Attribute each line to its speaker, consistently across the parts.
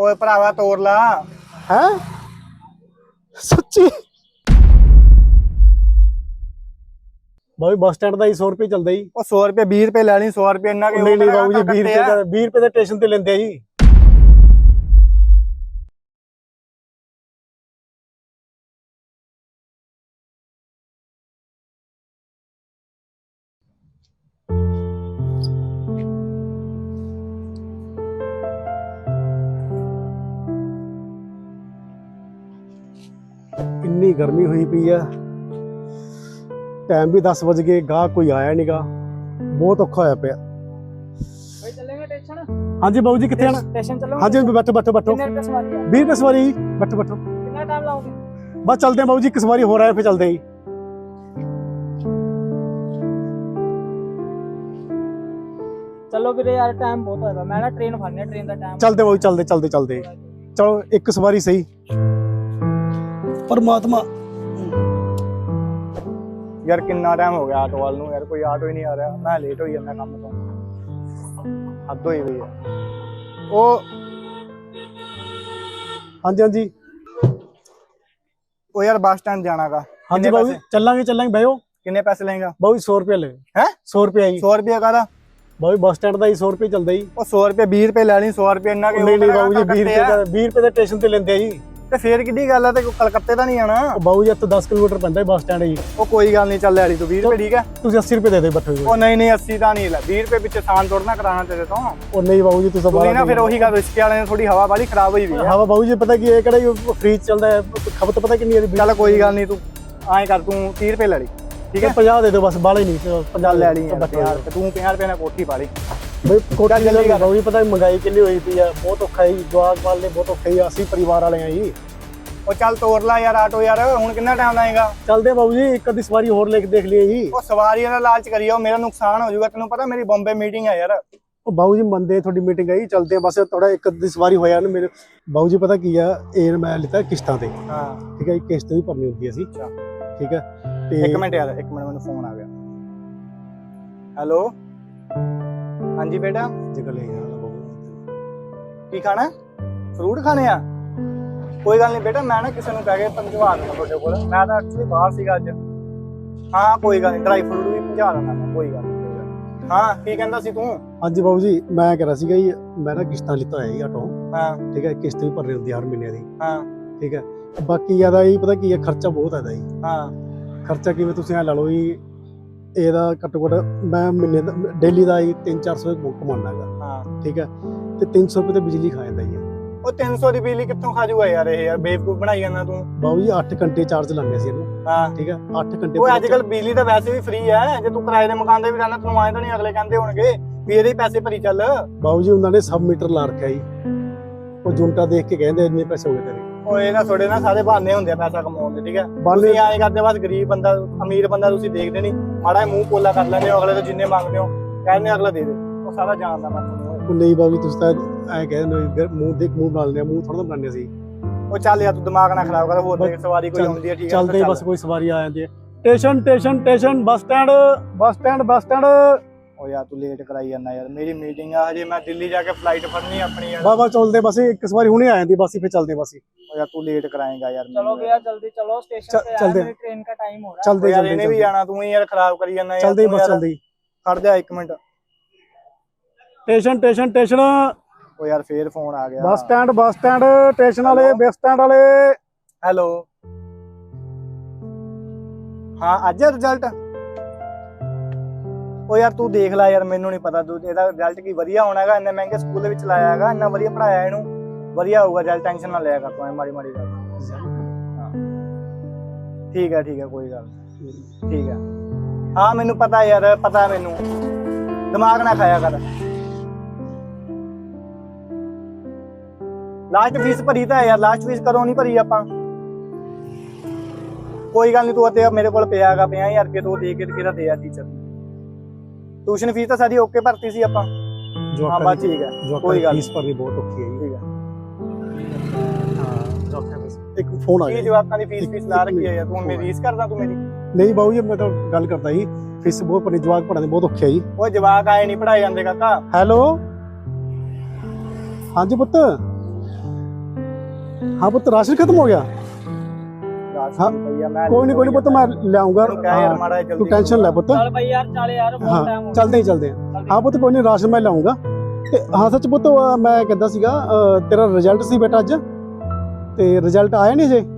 Speaker 1: ਓਏ ਭਰਾਵਾ ਤੋੜ ਲਾ।
Speaker 2: ਹੈ ਸੱਚੀ ਬਾਈ ਬੱਸ ਸਟੈਂਡ ਦਾ ਹੀ 100 ਰੁਪਏ ਚੱਲਦਾ ਜੀ।
Speaker 1: ਉਹ 100 ਰੁਪਏ 20 ਰੁਪਏ ਲੈਣੀ 100 ਰੁਪਏ ਇੰਨਾ ਕਿ
Speaker 2: ਨਹੀਂ ਨਹੀਂ ਬਾਬੂ ਜੀ 20 ਰੁਪਏ ਦਾ 20 ਰੁਪਏ ਦੇ ਸਟੇਸ਼ਨ ਤੇ ਲੈਂਦੇ ਆ ਜੀ। ਇੰਨੀ ਗਰਮੀ ਹੋਈ ਪਈ ਆ, ਟਾਈਮ ਵੀ 10 ਵਜ ਗਏ, ਗਾਹ ਕੋਈ ਆਇਆ ਨਹੀਂਗਾ, ਬਹੁਤ ਔਖਾ ਹੋਇਆ ਪਿਆ।
Speaker 1: ਓਏ ਚੱਲੇਗਾ ਸਟੇਸ਼ਨ?
Speaker 2: ਹਾਂਜੀ ਬਾਬੂ ਜੀ ਕਿੱਥੇ ਆਣਾ?
Speaker 1: ਸਟੇਸ਼ਨ ਚੱਲੋ।
Speaker 2: ਹਾਂਜੀ ਬੈਠੋ ਬੈਠੋ ਬੈਠੋ।
Speaker 1: ਕਿੰਨੇ ਰੁਪਏ ਸਵਾਰੀ ਹੈ?
Speaker 2: 20 ਰੁਪਏ ਸਵਾਰੀ। ਬੈਠੋ ਬੈਠੋ।
Speaker 1: ਕਿੰਨਾ ਟਾਈਮ ਲਾਓਗੇ?
Speaker 2: ਬਸ ਚੱਲਦੇ ਆ ਬਾਬੂ ਜੀ, ਇੱਕ ਸਵਾਰੀ ਹੋ ਰਿਹਾ ਫਿਰ ਚੱਲਦੇ ਆ ਜੀ।
Speaker 1: ਚਲੋ ਵੀਰੇ ਯਾਰ ਟਾਈਮ ਬਹੁਤ ਹੋਇਆ, ਮੈਂ ਨਾ ਟ੍ਰੇਨ ਫੜਨੀ ਹੈ, ਟ੍ਰੇਨ ਦਾ ਟਾਈਮ।
Speaker 2: ਚੱਲਦੇ ਬਾਬੂ ਚੱਲਦੇ ਚੱਲਦੇ ਚੱਲਦੇ। ਚਲੋ ਇੱਕ ਸਵਾਰੀ ਸਹੀ। ਪਰਮਾਤਮਾ
Speaker 1: ਯਾਰ ਕਿੰਨਾ ਟਾਈਮ ਹੋ ਗਿਆ ਆਟੋ ਵਾਲ ਨੂੰ, ਯਾਰ ਕੋਈ ਆਟੋ ਹੀ ਨਹੀਂ ਆ ਰਿਹਾ, ਮੈਂ ਲੇਟ ਹੋਈ ਜਾਂਦਾ ਕੰਮ ਤੋਂ, ਹੱਦ ਹੋਈ ਹੋਈ ਹੈ। ਉਹ
Speaker 2: ਹਾਂਜੀ ਹਾਂਜੀ
Speaker 1: ਉਹ ਯਾਰ ਬੱਸ ਸਟੈਂਡ ਜਾਣਾਗਾ।
Speaker 2: ਹਾਂਜੀ ਬਾਬੂ ਜੀ ਚੱਲਾਂਗੇ ਚੱਲਾਂਗੇ ਬਹਿਓ।
Speaker 1: ਕਿੰਨੇ ਪੈਸੇ ਲਏਗਾ?
Speaker 2: ਬਾਬੂ 100 ਰੁਪਏ ਲੈ।
Speaker 1: ਹੈ
Speaker 2: 100 ਰੁਪਏ ਜੀ।
Speaker 1: 100 ਰੁਪਏ ਕਾਹਦਾ?
Speaker 2: ਬਾਬੂ ਬੱਸ ਸਟੈਂਡ ਦਾ ਹੀ 100 ਰੁਪਏ ਚੱਲਦਾ ਜੀ।
Speaker 1: ਉਹ 100 ਰੁਪਏ 20 ਰੁਪਏ ਲੈਣੀ 100 ਰੁਪਏ ਇੰਨਾ ਕਿ
Speaker 2: ਨਹੀਂ ਨਹੀਂ ਬਾਬੂ ਜੀ 20 ਰੁਪਏ ਦਾ 20 ਰੁਪਏ ਦੇ ਸਟੇਸ਼ਨ ਤੇ ਲੈਂਦੇ ਆ ਜੀ।
Speaker 1: ਤੇ ਫੇਰ ਕਿੱਡੀ ਗੱਲ ਆ, ਤੇ ਕਲਕੱਤੇ ਦਾ ਨਹੀਂ ਆਣਾ।
Speaker 2: ਬਾਬੂ ਜੀ ਇੱਥੇ 10 ਕਿਲੋਮੀਟਰ ਪੈਂਦਾ ਬੱਸ ਸਟੈਂਡ ਜੀ।
Speaker 1: ਉਹ ਕੋਈ ਗੱਲ ਨਹੀਂ, ਚੱਲ ਲੈਣੀ ਤੂੰ 20 ਰੁਪਏ ਠੀਕ ਹੈ।
Speaker 2: ਤੁਸੀਂ 80 ਰੁਪਏ ਦੇ ਦੇ ਬੱਠੋ ਜੀ।
Speaker 1: ਉਹ ਨਹੀਂ ਨਹੀਂ 80 ਤਾਂ ਨਹੀਂ ਲੈ, 20 ਰੁਪਏ ਪਿੱਛੇ ਥਾਨ ਤੋੜਨਾ ਕਰਾਣਾ ਤੇਰੇ ਤੋਂ।
Speaker 2: ਉਹ ਨਹੀਂ ਬਾਬੂ ਜੀ ਤੁਸੀਂ
Speaker 1: ਤੂੰ ਨਾ ਫਿਰ ਉਹੀ ਗੱਲ, ਰਿਸ਼ਕੇ ਵਾਲੇ ਨੇ ਥੋੜੀ ਹਵਾ ਵਾਲੀ ਖਰਾਬ ਹੋਈ ਵੀ ਹੈ।
Speaker 2: ਹਵਾ ਬਾਬੂ ਜੀ ਪਤਾ ਕੀ ਹੈ, ਕਿਹੜਾ ਫ੍ਰੀ ਚੱਲਦਾ ਹੈ, ਖਪਤ ਪਤਾ ਕਿੰਨੀ ਹੈ?
Speaker 1: ਚੱਲ ਕੋਈ ਗੱਲ ਨਹੀਂ, ਤੂੰ ਐਂ ਕਰ, ਤੂੰ 30 ਰੁਪਏ ਲੈ ਲਈ ਠੀਕ ਹੈ।
Speaker 2: 50 ਦੇ ਦਿਓ ਬਸ, ਬਾਲੇ ਨਹੀਂ 50
Speaker 1: ਲੈ ਲਈ ਯਾਰ, ਤੂੰ 50 ਰੁਪਏ ਨਾਲ ਕੋਠੀ ਪਾ ਲਈ
Speaker 2: ਬਈ। ਕੋਟਾ ਜਲਦੀ ਬਾਬੂ ਜੀ ਪਤਾ ਮਹਿੰਗਾਈ ਕਿੰਨੀ ਹੋਈ ਪਈ ਆ, ਬਹੁਤ ਔਖਾ ਹੈ, ਜਵਾਕ ਵਾਲੇ ਬਹੁਤ ਔਖਾ ਹੈ, ਅਸੀਂ ਪਰਿਵਾਰ ਵਾਲੇ ਆ ਜੀ।
Speaker 1: ਉਹ ਚੱਲ ਤੋੜ ਲਾ ਯਾਰ ਆਟੋ, ਯਾਰ ਹੁਣ ਕਿੰਨਾ ਟਾਈਮ ਲਾਏਗਾ?
Speaker 2: ਚੱਲਦੇ ਬਾਬੂ ਜੀ, ਇੱਕ ਅੱਧੀ ਸਵਾਰੀ ਹੋਰ ਲੈ ਕੇ ਦੇਖ ਲਈਏ ਜੀ।
Speaker 1: ਉਹ ਸਵਾਰੀਆਂ ਦਾ ਲਾਲਚ ਕਰੀਓ, ਮੇਰਾ ਨੁਕਸਾਨ ਹੋ ਜਾਊਗਾ, ਤੈਨੂੰ ਪਤਾ ਮੇਰੀ ਬੰਬੇ ਮੀਟਿੰਗ ਹੈ ਯਾਰ।
Speaker 2: ਉਹ ਬਾਬੂ ਜੀ ਮੰਨਦੇ ਤੁਹਾਡੀ ਮੀਟਿੰਗ ਆਈ, ਚੱਲਦੇ ਆ ਬਸ, ਥੋੜਾ ਇੱਕ ਅੱਧੀ ਸਵਾਰੀ ਹੋਇਆ ਨਾ ਮੇਰੇ। ਬਾਬੂ ਜੀ ਪਤਾ ਕੀ ਆ, ਇਹ ਮੈਂ ਲਿੱਤਾ ਕਿਸ਼ਤਾਂ ਤੇ।
Speaker 1: ਹਾਂ
Speaker 2: ਠੀਕ ਹੈ ਜੀ, ਕਿਸ਼ਤ ਵੀ ਭਰਨੀ ਹੁੰਦੀ ਅਸੀਂ। ਠੀਕ ਹੈ ਤੇ
Speaker 1: ਇੱਕ ਮਿੰਟ ਯਾਰ, ਇੱਕ ਮਿੰਟ ਮੈਨੂੰ ਫੋਨ ਆ ਗਿਆ। ਹੈਲੋ ਹਾਂਜੀ ਬੇਟਾ,
Speaker 2: ਜਗ੍ਹਾ ਲੈ ਗਿਆ
Speaker 1: ਕੀ ਖਾਣਾ? ਫਰੂਟ ਖਾਣੇ ਆ? ਕੋਈ ਗੱਲ ਨਹੀਂ ਬੇਟਾ, ਮੈਂ ਨਾ ਕਿਸੇ ਨੂੰ ਕਹਿ ਕੇ ਪਹੁੰਚਵਾ ਦਿੰਦਾ ਤੁਹਾਡੇ ਕੋਲ, ਮੈਂ ਤਾਂ ਐਕਚੁਅਲੀ ਬਾਹਰ ਸੀਗਾ ਅੱਜ। ਹਾਂ ਕੋਈ ਗੱਲ ਨਹੀਂ, ਡਰਾਈ ਫਰੂਟ ਵੀ ਪਹੁੰਚਾ ਦਿੰਦਾ ਮੈਂ, ਕੋਈ ਗੱਲ ਨਹੀਂ। ਹਾਂ ਕੀ ਕਹਿੰਦਾ ਸੀ ਤੂੰ?
Speaker 2: ਹਾਂਜੀ ਬਾਬੂ ਜੀ ਮੈਂ ਕਹਿ ਰਿਹਾ ਸੀਗਾ ਜੀ, ਮੈਂ ਨਾ ਕਿਸ਼ਤਾਂ ਲਿੱਤਾ ਹੋਇਆ ਜੀ ਆਟੋ।
Speaker 1: ਹਾਂ
Speaker 2: ਠੀਕ ਹੈ, ਕਿਸ਼ਤ ਵੀ ਭਰਨੀ ਹੁੰਦੀ ਹਰ ਮਹੀਨੇ ਦੀ।
Speaker 1: ਹਾਂ
Speaker 2: ਠੀਕ ਹੈ, ਬਾਕੀ ਜ਼ਿਆਦਾ ਇਹ ਪਤਾ ਕੀ ਹੈ, ਖਰਚਾ ਬਹੁਤ ਹੈ ਜੀ।
Speaker 1: ਹਾਂ
Speaker 2: ਖਰਚਾ ਕਿਵੇਂ ਤੁਸੀਂ ਐ ਲਾ ਲਓ ਜੀ, ਇਹਦਾ ਘੱਟੋ ਘੱਟ ਮੈਂ ਮਹੀਨੇ ਦਾ ਡੇਲੀ ਦਾ ਹੀ 300-400 ਕਮਾਉਣਾ ਹੈਗਾ।
Speaker 1: ਹਾਂ
Speaker 2: ਠੀਕ ਹੈ, ਤੇ 300 ਰੁਪਏ ਤੇ ਬਿਜਲੀ ਖਾ ਜਾਂਦਾ ਜੀ।
Speaker 1: ਉਹ 300 ਦੀ ਬਿਜਲੀ ਕਿੱਥੋਂ ਖਾ ਜੂਗਾ ਯਾਰ, ਇਹ ਯਾਰ ਬੇਵਕੂਫ ਬਣਾਈ ਜਾਂਦਾ ਤੂੰ।
Speaker 2: ਬਾਬੂ ਜੀ 8 ਘੰਟੇ ਚਾਰਜ ਲਾਉਂਦੇ ਸੀ ਇਹਨੂੰ।
Speaker 1: ਹਾਂ
Speaker 2: ਠੀਕ ਹੈ 8 ਘੰਟੇ।
Speaker 1: ਉਹ ਅੱਜ ਕੱਲ ਬਿਜਲੀ ਤਾਂ ਵੈਸੇ ਵੀ ਫ੍ਰੀ ਹੈ, ਜੇ ਤੂੰ ਕਿਰਾਏ ਦੇ ਮਕਾਨ ਦੇ ਵੀ ਰਹਿਣਾ, ਤੈਨੂੰ ਆਏ ਤਾਂ ਨਹੀਂ ਅਗਲੇ ਕਹਿੰਦੇ ਹੋਣਗੇ ਵੀ ਇਹਦੇ ਪੈਸੇ ਭਰੀ ਚੱਲ।
Speaker 2: ਬਾਬੂ ਜੀ ਉਹਨਾਂ ਨੇ ਸਬ ਮੀਟਰ ਲਾ ਰੱਖਿਆ ਜੀ, ਉਹ ਜੁੰਟਾ ਦੇਖ ਕੇ ਕਹਿੰਦੇ ਇੰਨੇ ਪੈਸੇ ਹੋ ਗਏ ਤੇਰੇ।
Speaker 1: ਉਹ ਇਹਨਾਂ ਥੋੜੇ ਨਾ ਸਾਰੇ ਬਹਾਨੇ ਹੁੰਦੇ ਆ ਪੈਸਾ ਕਮਾਉਣ ਦੇ, ਠੀਕ ਹੈ। ਤੁਸੀਂ ਐਂ ਕਰਦੇ ਬਸ, ਗਰੀਬ ਬੰਦਾ ਅਮੀਰ ਬੰਦਾ ਤੁਸੀਂ ਦੇਖਦੇ ਨਹੀਂ, ਮਾੜਾ ਮੂੰਹ ਪੋਲਾ ਕਰ ਲੈਂਦੇ ਹੋ, ਅਗਲੇ ਤੋਂ ਜਿੰਨੇ ਮੰਗਦੇ ਹੋ ਕਹਿੰਦੇ ਅਗਲਾ ਦੇ ਦੇ, ਉਹ ਸਾਰਾ ਜਾਣਦਾ ਮੈਂ ਤੁਹਾਨੂੰ।
Speaker 2: ਉਹ ਨਹੀਂ ਬਾਬੂ ਜੀ ਤੁਸੀਂ ਤਾਂ ਐਂ ਕਹਿੰਦੇ ਮੂੰਹ ਦੇਖ ਮੂੰਹ ਬਣਾ ਲੈਂਦੇ, ਮੂੰਹ ਥੋੜਾ ਬਣਾਉਂਦੇ ਸੀ।
Speaker 1: ਉਹ ਚੱਲ ਯਾਰ ਤੂੰ ਦਿਮਾਗ ਨਾ ਖਰਾਬ ਕਰ, ਹੋਰ ਦੇਖ ਸਵਾਰੀ ਕੋਈ ਆਉਂਦੀ ਹੈ ਠੀਕ ਹੈ।
Speaker 2: ਚੱਲਦੇ ਬਸ, ਕੋਈ ਸਵਾਰੀ ਆ ਜਾਂਦੀ ਹੈ। Station station station, bus stand bus stand bus stand.
Speaker 1: ਉਹ ਯਾਰ ਤੂੰ ਲੇਟ ਕਰਾਈ ਜਾਂਦਾ ਯਾਰ, ਮੇਰੀ ਮੀਟਿੰਗ ਆ ਹਜੇ, ਮੈਂ ਦਿੱਲੀ ਜਾ ਕੇ ਫਲਾਈਟ ਫੜਨੀ ਆਪਣੀ ਯਾਰ।
Speaker 2: ਬਾਬਾ ਚੱਲਦੇ ਬਸ, ਇੱਕ ਸਵਾਰੀ ਹੁਣੇ ਆ ਜਾਂਦੀ ਬਸ, ਫਿਰ ਚੱਲਦੇ ਬਸ।
Speaker 1: ਉਹ ਯਾਰ ਤੂੰ ਲੇਟ कराएगा यार।
Speaker 3: चलो भैया जल्दी चलो, स्टेशन पे
Speaker 2: चलते
Speaker 3: मेरी ट्रेन का टाइम हो रहा है।
Speaker 2: चलते
Speaker 1: यार इन्हें भी जाना, तू ही यार खराब करी जाना यार।
Speaker 2: चलते बस चलते
Speaker 1: खड़ जा एक मिनट।
Speaker 2: Station station station.
Speaker 1: ओ यार फिर फोन आ गया।
Speaker 2: बस स्टैंड स्टेशन वाले, बस स्टैंड वाले।
Speaker 1: हेलो हाँ आज रिजल्ट? ओ यार तू देख ला यार, मैनू नहीं पता, तू ਇਹਦਾ ਰਿਜ਼ਲਟ ਕੀ ਵਧੀਆ ਹੋਣਾ ਹੈਗਾ, ਇੰਨੇ ਮਹਿੰਗੇ ਸਕੂਲ ਦੇ ਵਿੱਚ ਲਾਇਆ ਹੈਗਾ, ਇੰਨਾ ਵਧੀਆ ਪੜਾਇਆ ਇਹਨੂੰ, ਵਧੀਆ ਹੋਊਗਾ ਰਿਜ਼ਲਟ, ਟੈਨਸ਼ਨ ਨਾ ਲਿਆ ਕਰ ਤੂੰ ਐ ਮਾੜੀ ਮਾੜੀ ਗੱਲ। ठीक है कोई गल ठीक है। हाँ मैनू पता यार, पता मैनू, दिमाग ना खाया कर। लास्ट फीस भरी तो है यार, लास्ट फीस कदों नहीं भरी आपां? कोई गल नहीं, तू ते मेरे कोल पिया गा 50,000 रुपये, तू दे के किहड़ा दे यार टीचर। ट्यूशन फीस तो सारी ओके भरती सी आपां। हाँ बस ठीक है, कोई गल
Speaker 2: फीस भरनी बहुत औखी है।
Speaker 1: ठीक है।
Speaker 2: एक फोन आ
Speaker 1: ਕੀ
Speaker 2: गया।
Speaker 1: ਜਵਾਕਾਂ ਦੀ ਫੀਸ ਲਾ ਰੱਖੀ ਹੈ ਯਾਰ, ਤੂੰ ਮੇਰੀ ਰੀਸ ਕਰਦਾ ਤੂੰ ਮੇਰੀ?
Speaker 2: नहीं बाबू जी मैं तो गल करता ही, फीस बहुत भरनी, जवाक पढ़ाने बहुत औखे है जी।
Speaker 1: ਉਹ ਜਵਾਕ ਆਏ ਨਹੀਂ ਪੜਾਏ ਜਾਂਦੇ ਕਾਕਾ।
Speaker 2: हेलो हाँ जी पुत्त, हाँ पुत्र राशन खत्म हो गया।
Speaker 1: ਰਾਸ਼ਨ ਭਈਆ ਮੈਂ
Speaker 2: कोई नहीं पुत्र मैं ले आऊंगा।
Speaker 1: ਤੈਨੂੰ ਕਹਿ ਯਾਰ ਮਾੜਾ ਜਿਹਾ
Speaker 2: तू
Speaker 1: ਜਲਦੀ
Speaker 2: टेंशन ले पुत्र।
Speaker 3: ਚੱਲ ਬਈ ਯਾਰ ਚੱਲ ਯਾਰ ਬਹੁਤ
Speaker 2: हाँ
Speaker 3: ਟਾਈਮ ਹੋ
Speaker 2: चलते हैं हाँ पुत्र कोई नहीं राशन मैं लाऊंगा। ਤੇ ਹਾਂ ਸੱਚ ਪੁੱਤ ਮੈਂ ਕਹਿੰਦਾ ਸੀਗਾ ਤੇਰਾ ਰਿਜ਼ਲਟ ਸੀ ਬੇਟਾ ਅੱਜ ਤੇ ਰਿਜ਼ਲਟ ਆਇਆ ਨਹੀਂ ਜੇ।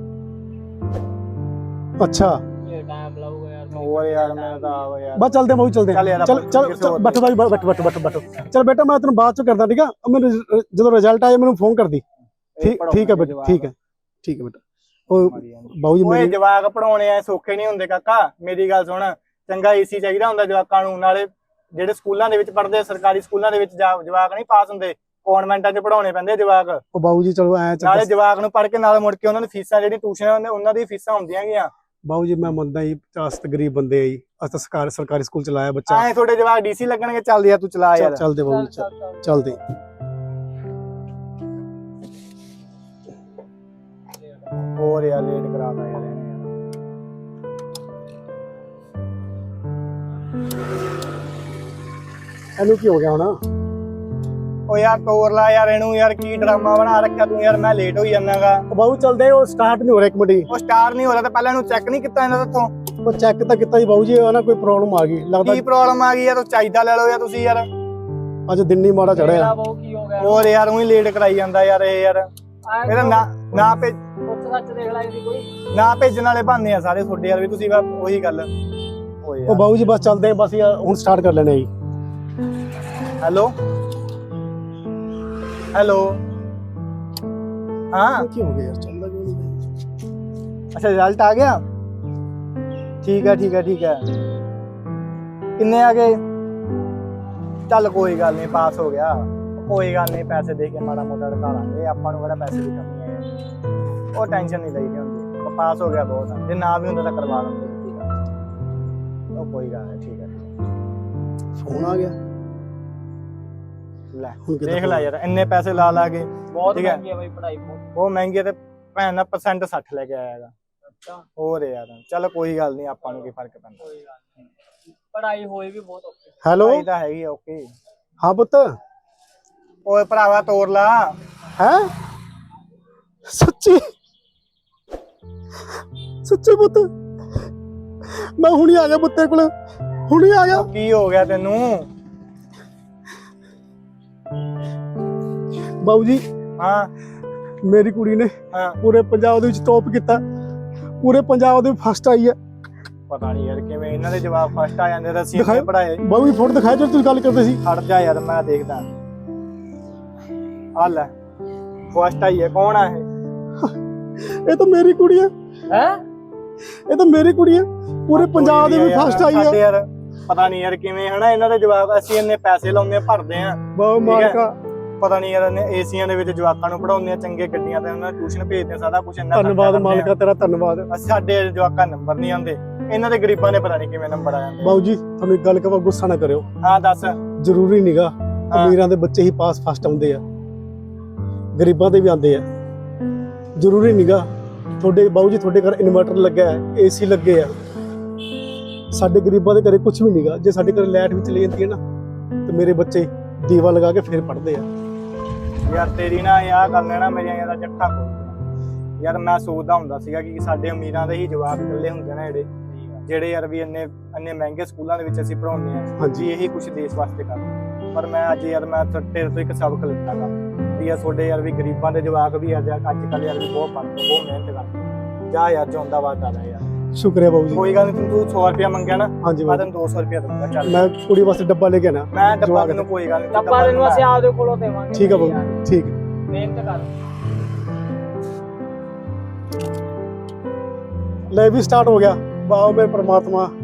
Speaker 2: ਅੱਛਾ
Speaker 3: ਗਿਆ ਟਾਈਮ ਲਾਊਗਾ ਯਾਰ
Speaker 1: ਹੋਰ ਯਾਰ ਮੈਂ ਤਾਂ ਆਵਾ ਯਾਰ
Speaker 2: ਬਸ ਚੱਲਦੇ ਹਾਂ ਚੱਲਦੇ
Speaker 1: ਚੱਲ ਯਾਰ
Speaker 2: ਹਾਂ। ਚੱਲ
Speaker 1: ਆਪਾਂ
Speaker 2: ਚੱਲ
Speaker 1: ਕਿਸੇ ਹੋਰ
Speaker 2: ਬੈਠੋ ਭਾਈ ਬੈਠੋ ਚੱਲ ਬੇਟਾ ਮੈਂ ਤੈਨੂੰ ਬਾਅਦ ਚ ਕਰਦਾ ਠੀਕ ਆ। ਮੈਨੂੰ ਜਦੋਂ ਰਿਜ਼ਲਟ ਆਇਆ ਮੈਨੂੰ ਫੋਨ ਕਰਦੀ। ਠੀਕ ਹੈ ਬੇਟਾ ਠੀਕ ਹੈ ਬੇਟਾ। ਉਹ ਬਾਊ ਜੀ
Speaker 1: ਓਏ
Speaker 2: ਮੇਰੀ
Speaker 1: ਜਵਾਕ ਪੜਾਉਣੇ ਐ ਸੌਖੇ ਨਹੀਂ ਹੁੰਦੇ ਕਾਕਾ। ਮੇਰੀ ਗੱਲ ਸੁਣ, ਚੰਗਾ ਏਸੀ ਚਾਹੀਦਾ ਹੁੰਦਾ ਜਵਾਕਾਂ ਨੂੰ। ਨਾਲੇ ਜਿਹੜੇ ਸਕੂਲਾਂ ਦੇ ਵਿੱਚ ਪੜ੍ਹਦੇ ਸਰਕਾਰੀ ਸਕੂਲਾਂ ਦੇ ਵਿੱਚ ਜਵਾਕ ਨਹੀਂ ਪਾਸ ਹੁੰਦੇ, ਕਨਵੈਂਟਾਂ 'ਚ ਪੜਾਉਣੇ ਪੈਂਦੇ ਜਵਾਕ।
Speaker 2: ਉਹ ਬਾਊ ਜੀ ਚਲੋ ਐ
Speaker 1: ਨਾਲੇ ਜਵਾਕ ਨੂੰ ਪੜ੍ਹ ਕੇ ਨਾਲ ਮੁੜ ਕੇ ਉਹਨਾਂ ਦੀ ਫੀਸਾਂ ਜਿਹੜੀ ਟਿਊਸ਼ਨ ਉਹਨਾਂ ਦੀ ਫੀਸਾਂ ਹੁੰਦੀਆਂ ਗੀਆਂ।
Speaker 2: ਬਾਊ ਜੀ ਮੈਂ ਮੰਨਦਾ ਜੀ 50 ਗਰੀਬ ਬੰਦੇ ਆ ਜੀ। ਅਸੀਂ ਤਾਂ ਸਰਕਾਰੀ ਸਕੂਲ ਚ ਲਾਇਆ ਬੱਚਾ।
Speaker 1: ਐ ਤੁਹਾਡੇ ਜਵਾਕ ਡੀਸੀ ਲੱਗਣਗੇ। ਚੱਲ ਯਾਰ ਤੂੰ ਚਲਾ ਯਾਰ।
Speaker 2: ਚੱਲਦੇ ਬਾਊ ਜੀ ਚੱਲਦੇ।
Speaker 1: ਹੋਰ ਯਾਰ ਲੇਟ ਕਰਾਤਾ ਯਾਰ ਇਹਨੇ ਯਾਰ।
Speaker 2: ਇਹਨੂੰ ਕੀ ਹੋ ਗਿਆ ਹੁਣ?
Speaker 1: ਓ ਯਾਰ ਤੋਰ ਲਾ ਯਾਰ ਇਹਨੂੰ ਯਾਰ। ਕੀ ਡਰਾਮਾ ਬਣਾ ਰੱਖਿਆ ਤੂੰ ਯਾਰ। ਮੈਂ ਲੇਟ ਹੋਈ ਜਾਂਦਾਗਾ।
Speaker 2: ਬਾਊ ਚੱਲਦੇ ਉਹ ਸਟਾਰਟ ਨਹੀਂ ਹੋ ਰਿਹਾ ਇੱਕ ਮਿੰਟ।
Speaker 1: ਉਹ ਸਟਾਰ ਨਹੀਂ ਹੋ ਰਿਹਾ ਤਾਂ ਪਹਿਲਾਂ ਇਹਨੂੰ ਚੈੱਕ ਨਹੀਂ ਕੀਤਾ ਇਹਨਾਂ ਤੋਂ।
Speaker 2: ਉਹ ਚੈੱਕ ਤਾਂ ਕੀਤਾ ਜੀ ਬਾਊ ਜੀ। ਨਾ ਕੋਈ ਪ੍ਰੋਬਲਮ ਆ ਗਈ ਲੱਗਦਾ।
Speaker 1: ਕੀ ਪ੍ਰੋਬਲਮ ਆ ਗਈ ਯਾਰ? ਤੂੰ ਚਾਹੀਦਾ ਲੈ ਲਓ ਯਾਰ ਤੁਸੀਂ ਯਾਰ।
Speaker 2: ਅੱਜ ਦਿਨ ਨਹੀਂ ਮਾੜਾ ਚੜਿਆ।
Speaker 3: ਬਹੁ ਕੀ ਹੋ ਗਿਆ
Speaker 1: ਹੋਰ ਯਾਰ ਉਹੀ ਲੇਟ ਕਰਾਈ ਜਾਂਦਾ ਯਾਰ ਇਹ ਯਾਰ। ਇਹਦਾ ਨਾ ਭੇਜ
Speaker 3: ਉੱਥੇ ਸੱਚ ਦੇਖ ਲੈ ਇਹਦੀ ਕੋਈ
Speaker 1: ਨਾ ਭੇਜਣ ਵਾਲੇ ਬਹਾਨੇ ਆ ਸਾਰੇ ਤੁਹਾਡੇ ਯਾਰ ਵੀ। ਤੁਸੀਂ ਬਸ ਉਹੀ ਗੱਲ ਓਏ
Speaker 2: ਉਹ ਬਾਊ ਜੀ ਬਸ ਚੱਲਦੇ ਆ ਬਸ ਯਾਰ ਹੁਣ ਸਟਾਰਟ ਕਰ ਲੈਣੇ ਜੀ।
Speaker 1: ਹੈਲੋ ਹੈਲੋ ਹਾਂ
Speaker 2: ਕੀ ਹੋ ਗਿਆ ਯਾਰ? ਚੱਲਦਾ ਕਿਉਂ ਨਹੀਂ?
Speaker 1: ਅੱਛਾ ਰਿਜ਼ਲਟ ਆ ਗਿਆ। ਠੀਕ ਹੈ ਕਿੰਨੇ ਆ ਗਏ? ਚੱਲ ਕੋਈ ਗੱਲ ਨਹੀਂ ਪਾਸ ਹੋ ਗਿਆ। ਕੋਈ ਗੱਲ ਨਹੀਂ ਪੈਸੇ ਦੇ ਕੇ ਮਾੜਾ ਮੋਟਾ ਢਕਾ ਲਾਂਗੇ। ਆਪਾਂ ਨੂੰ ਕਿਹੜਾ ਪੈਸੇ ਦੀ ਕਮੀ ਹੈ। ਉਹ ਟੈਨਸ਼ਨ ਨਹੀਂ ਲਈਦੀ ਹੁੰਦੀ। ਉਹ ਪਾਸ ਹੋ ਗਿਆ ਬਹੁਤ ਆ। ਜੇ ਨਾ ਵੀ ਹੁੰਦਾ ਤਾਂ ਕਰਵਾ ਲਾਂਗੇ। ਉਹ ਕੋਈ ਗੱਲ ਨਹੀਂ ਠੀਕ ਹੈ।
Speaker 2: ਫੋਨ ਆ ਗਿਆ।
Speaker 1: ਲੈ
Speaker 2: ਹੁਣ ਕਿੱਦਾਂ
Speaker 1: ਦੇਖ ਲੈ ਯਾਰ ਇੰਨੇ ਪੈਸੇ ਲਾ ਕੇ।
Speaker 3: ਬਹੁਤ
Speaker 1: ਠੀਕ ਹੈ।
Speaker 3: ਮਹਿੰਗੀ ਹੈ ਬਈ ਪੜ੍ਹਾਈ
Speaker 1: ਬਹੁਤ ਮਹਿੰਗੀ ਹੈ ਤੇ ਭੈਣ ਦਾ % 60 ਲੈ ਕੇ ਆਇਆ ਹੈਗਾ।
Speaker 3: ਅੱਛਾ
Speaker 1: ਹੋਰ ਯਾਰ ਚੱਲ ਕੋਈ ਗੱਲ ਨਹੀਂ। ਆਪਾਂ ਨੂੰ ਕੀ ਫਰਕ ਪੈਂਦਾ।
Speaker 3: ਕੋਈ ਗੱਲ ਨਹੀਂ। ਪੜ੍ਹਾਈ ਹੋਈ ਵੀ ਬਹੁਤ ਔਖੀ।
Speaker 2: ਹੈਲੋ
Speaker 1: ਪੜ੍ਹਾਈ ਤਾਂ ਹੈਗੀ ਓਕੇ।
Speaker 2: ਹਾਂ ਪੁੱਤ
Speaker 1: ਓਏ ਭਰਾਵਾ ਤੋਰ ਲਾ।
Speaker 2: ਹੈ ਸੱਚੀ ਪੁੱਤ ਮੈਂ ਹੁਣੀ ਆ ਗਿਆ ਪੁੱਤ ਤੇਰੇ ਕੋਲ। ਹੁਣੀ ਆ ਗਿਆ।
Speaker 1: ਕੀ ਹੋ ਗਿਆ ਤੈਨੂੰ?
Speaker 2: ਬਾਊ ਜੀ
Speaker 1: ਹਾਂ
Speaker 2: ਮੇਰੀ ਕੁੜੀ ਨੇ
Speaker 1: ਹਾਂ
Speaker 2: ਪੂਰੇ ਪੰਜਾਬ ਦੇ ਵਿੱਚ ਟੌਪ ਕੀਤਾ। ਪੂਰੇ ਪੰਜਾਬ ਦੇ ਫਸਟ ਆਈ ਹੈ।
Speaker 1: ਪਤਾ ਨਹੀਂ ਯਾਰ ਕਿਵੇਂ ਇਹਨਾਂ ਦੇ ਜਵਾਬ ਫਸਟ ਆ ਜਾਂਦੇ ਤਾਂ ਅਸੀਂ
Speaker 2: ਦਿਖਾਓ।
Speaker 1: ਇੰਨੇ ਪੜਾਏ।
Speaker 2: ਬਾਊ ਜੀ ਫੋਟੋ ਦਿਖਾਇਆ ਜਦੋਂ ਤੁਸੀਂ ਗੱਲ ਕਰਦੇ ਸੀ।
Speaker 1: ਹਟ ਜਾ ਯਾਰ ਮੈਂ ਦੇਖਦਾ। ਆ ਲੈ ਫਸਟ ਆਈ ਹੈ। ਕੌਣ ਆ ਇਹ?
Speaker 2: ਇਹ ਤਾਂ ਮੇਰੀ ਕੁੜੀ ਹੈ। ਇਹ ਤਾਂ ਮੇਰੀ ਕੁੜੀ ਹੈ। ਪੂਰੇ ਪੰਜਾਬ ਦੇ ਵਿੱਚ ਫਸਟ ਆਈ
Speaker 1: ਸਾਡੇ
Speaker 2: ਹੈ।
Speaker 1: ਯਾਰ ਪਤਾ ਨਹੀਂ ਯਾਰ ਕਿਵੇਂ ਹਨਾ ਇਹਨਾਂ ਦੇ ਜਵਾਬ। ਅਸੀਂ ਇੰਨੇ ਪੈਸੇ ਲਾਉਂਦੇ ਭਰਦੇ ਆ।
Speaker 2: ਬਾਊ ਮਾਲਕਾ
Speaker 1: ਪਤਾ ਨਹੀਂ ਯਾਰ ਏਸੀਆਂ ਦੇ ਵਿੱਚ ਜਵਾਕਾਂ ਨੂੰ ਪੜਾਉਂਦੇ ਆ ਚੰਗੇ ਗੱਡੀਆਂ ਤੇ ਉਹਨਾਂ ਨੂੰ ਟਿਊਸ਼ਨ ਭੇਜਦੇ ਆ। ਸਾਰਾ ਕੁਝ ਇੰਨਾ
Speaker 2: ਧੰਨਵਾਦ ਮਾਲਕਾ ਤੇਰਾ ਧੰਨਵਾਦ।
Speaker 1: ਸਾਡੇ ਜਵਾਕਾਂ ਨੰਬਰ ਨਹੀਂ ਆਉਂਦੇ। ਇਹਨਾਂ ਦੇ ਗਰੀਬਾਂ ਦੇ ਪਤਾ ਨਹੀਂ ਕਿਵੇਂ ਨੰਬਰ ਆ ਜਾਂਦੇ।
Speaker 2: ਬਾਊ ਜੀ ਤੁਹਾਨੂੰ ਇੱਕ ਗੱਲ ਕਹਾਂ ਗੁੱਸਾ ਨਾ ਕਰਿਓ।
Speaker 1: ਹਾਂ ਦੱਸ।
Speaker 2: ਜ਼ਰੂਰੀ ਨੀਗਾ ਅਮੀਰਾਂ ਦੇ ਬੱਚੇ ਹੀ ਪਾਸ ਫਸਟ ਆਉਂਦੇ ਆ। ਗਰੀਬਾਂ ਦੇ ਵੀ ਆਉਂਦੇ ਆ। ਜ਼ਰੂਰੀ ਨੀਗਾ। ਤੁਹਾਡੇ ਬਾਊ ਜੀ ਤੁਹਾਡੇ ਘਰ ਇਨਵਰਟਰ ਲੱਗਾ ਹੈ, ਏਸੀ ਲੱਗੇ ਆ। ਸਾਡੇ ਗਰੀਬਾਂ ਦੇ ਘਰੇ ਕੁਝ ਵੀ ਨੀਗਾ। ਜੇ ਸਾਡੇ ਘਰ ਲਾਈਟ ਵੀ ਚਲੀ ਜਾਂਦੀ ਹੈ ਨਾ ਤੇ ਮੇਰੇ ਬੱਚੇ ਦੀਵਾ ਲਗਾ ਕੇ ਫਿਰ ਪੜ੍ਹਦੇ ਆ।
Speaker 1: ਯਾਰ ਤੇਰੀ ਨਾ ਆਹ ਗੱਲ ਨੇ ਨਾ ਮੇਰੀਆਂ ਯਾਰ ਜੱਟਾਂ ਖੋਲ੍ਹੀਆਂ। ਯਾਰ ਮੈਂ ਸੋਚਦਾ ਹੁੰਦਾ ਸੀਗਾ ਕਿ ਸਾਡੇ ਅਮੀਰਾਂ ਦੇ ਹੀ ਜਵਾਬ ਇਕੱਲੇ ਹੁੰਦੇ ਨੇ ਜਿਹੜੇ ਯਾਰ ਵੀ ਇੰਨੇ ਮਹਿੰਗੇ ਸਕੂਲਾਂ ਦੇ ਵਿੱਚ ਅਸੀਂ ਪੜਾਉਂਦੇ ਆ।
Speaker 2: ਹਾਂਜੀ
Speaker 1: ਇਹੀ ਕੁਝ ਦੇਸ਼ ਵਾਸਤੇ ਕਰ। ਪਰ ਮੈਂ ਅੱਜ ਯਾਰ ਮੈਂ ਤੇਰੇ ਤੋਂ ਇੱਕ ਸਬਕ ਲਿੱਤਾਗਾ ਵੀ ਯਾਰ ਤੁਹਾਡੇ ਯਾਰ ਵੀ ਗਰੀਬਾਂ ਦੇ ਜਵਾਕ ਵੀ ਅੱਜ ਕੱਲ੍ਹ ਯਾਰ ਵੀ ਬਹੁਤ ਪੜ੍ਹਦੇ ਬਹੁਤ ਮਿਹਨਤ ਕਰਦੇ। ਜਾ ਯਾਰ ਜਿਉਂਦਾ ਵਾਦਾ ਲੈ ਯਾਰ।
Speaker 2: ਸ਼ੁਕਰੀਆ ਬਾਊ ਜੀ।
Speaker 1: ਕੋਈ ਗੱਲ ਨਹੀਂ। ਤੂੰ 100 ਰੁਪਇਆ ਮੰਗਿਆ ਨਾ
Speaker 2: ਹਾਂਜੀ
Speaker 1: ਮੈਂ ਤੈਨੂੰ 200 ਰੁਪਇਆ ਦਊਂਗਾ। ਚੱਲ
Speaker 2: ਮੈਂ ਕੁੜੀ ਵਾਸਤੇ ਡੱਬਾ ਲੈ ਕੇ ਆਣਾ।
Speaker 1: ਮੈਂ ਡੱਬਾ ਤੈਨੂੰ ਕੋਈ ਗੱਲ ਨਹੀਂ।
Speaker 3: ਡੱਬਾ ਤੈਨੂੰ ਅਸੀਂ ਆਪਦੇ ਕੋਲੋਂ ਦੇਵਾਂਗੇ।
Speaker 2: ਠੀਕ ਹੈ ਬਾਊ ਠੀਕ ਹੈ।
Speaker 3: ਮਿਹਨਤ ਕਰ।
Speaker 2: ਲੈ ਵੀ ਸਟਾਰਟ ਹੋ ਗਿਆ। ਵਾਹ ਮੇਰੇ ਪ੍ਰਮਾਤਮਾ